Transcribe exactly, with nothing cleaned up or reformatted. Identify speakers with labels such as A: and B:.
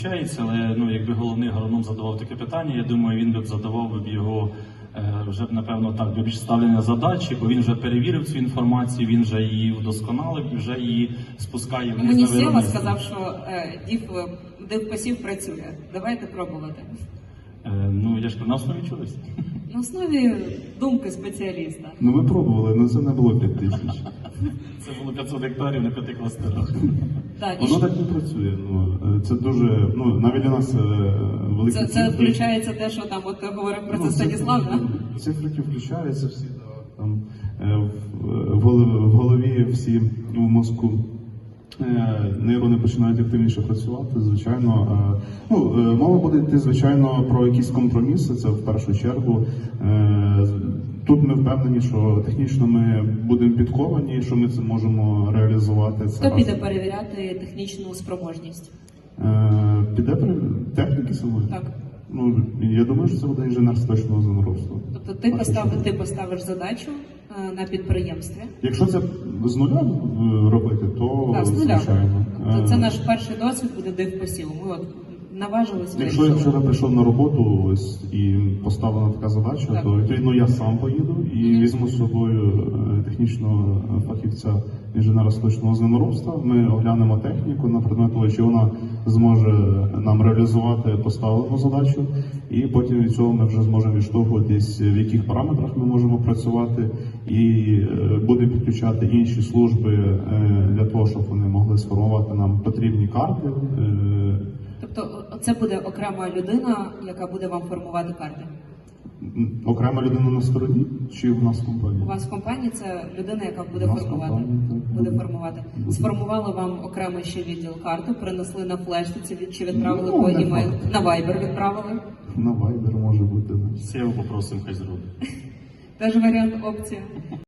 A: Але ну, якби головний агроном задавав таке питання, я думаю, він би задавав б його е, вже б, напевно, так, більш ставлення задачі, бо він вже перевірив цю інформацію, він вже її вдосконалив і вже її спускає вниз на
B: Мені
A: виробництво.
B: Сєва сказав, що е, дів, дивпосів працює. Давайте пробувати.
A: Е, ну, я ж на основі чогось.
B: На основі думки спеціаліста.
C: Ну ми пробували, але це не було п'ять тисяч.
A: Це було п'ятсот гектарів на п'яти кластерах.
B: Так, і
C: Воно
B: що-
C: так не працює. Ну, це дуже, ну, навіть для нас е, великі
B: це, це
C: цифри.
B: включається те, що там от говорив про це
C: Ну,
B: Станіслав, так?
C: Цифрики включаються всі, да, там, е, в, в голові- в голові всі в мозку. Е, Нейрони починають активніше працювати, звичайно. Е, Ну, е, мова буде йти, звичайно, про якісь компроміси, це в першу чергу. Е, Тут ми впевнені, що технічно ми будемо підковані, що ми це можемо реалізувати. Це
B: Хто
C: раз.
B: піде перевіряти технічну спроможність?
C: Е, Піде при техніки самої?
B: Так.
C: Ну, я думаю, що це буде інженер з точного землеробства.
B: Тобто ти,
C: Так,
B: постав,
C: що-
B: ти поставиш задачу е, на підприємстві.
C: Якщо це з нуля е, робити, то
B: Так, з нуля.
C: звичайно.
B: Тобто це
C: Е,
B: наш перший досвід буде дивпосів. Ми от наважилися.
C: Якщо я
B: вирішили.
C: вчора прийшов на роботу ось і поставлена така задача,
B: Так.
C: то відповідно я сам поїду і
B: Мгм.
C: візьму з собою е, технічного фахівця інженера з точного землеробства. Ми оглянемо техніку на предмет того, чи вона зможе нам реалізувати поставлену задачу, і потім від цього ми вже зможемо відштовхуватись, в яких параметрах ми можемо працювати, і е, будемо підключати інші служби е, для того, щоб вони могли сформувати нам потрібні карти. е,
B: Тобто це буде окрема людина, яка буде вам формувати карти.
C: Окрема людина на стороні чи в нас в компанії?
B: У вас в компанії це людина, яка буде
C: У нас
B: формувати.
C: компанія, так,
B: Буде
C: буде.
B: формувати.
C: Буде.
B: Сформували вам окремий ще відділ карту, принесли на флешці чи- чи відправили
C: Ну,
B: по
C: не
B: імейл.
C: факт.
B: На Viber відправили.
C: На Viber може бути. да.
A: Сєву попросимо, хай зробить.
B: Теж варіант опція.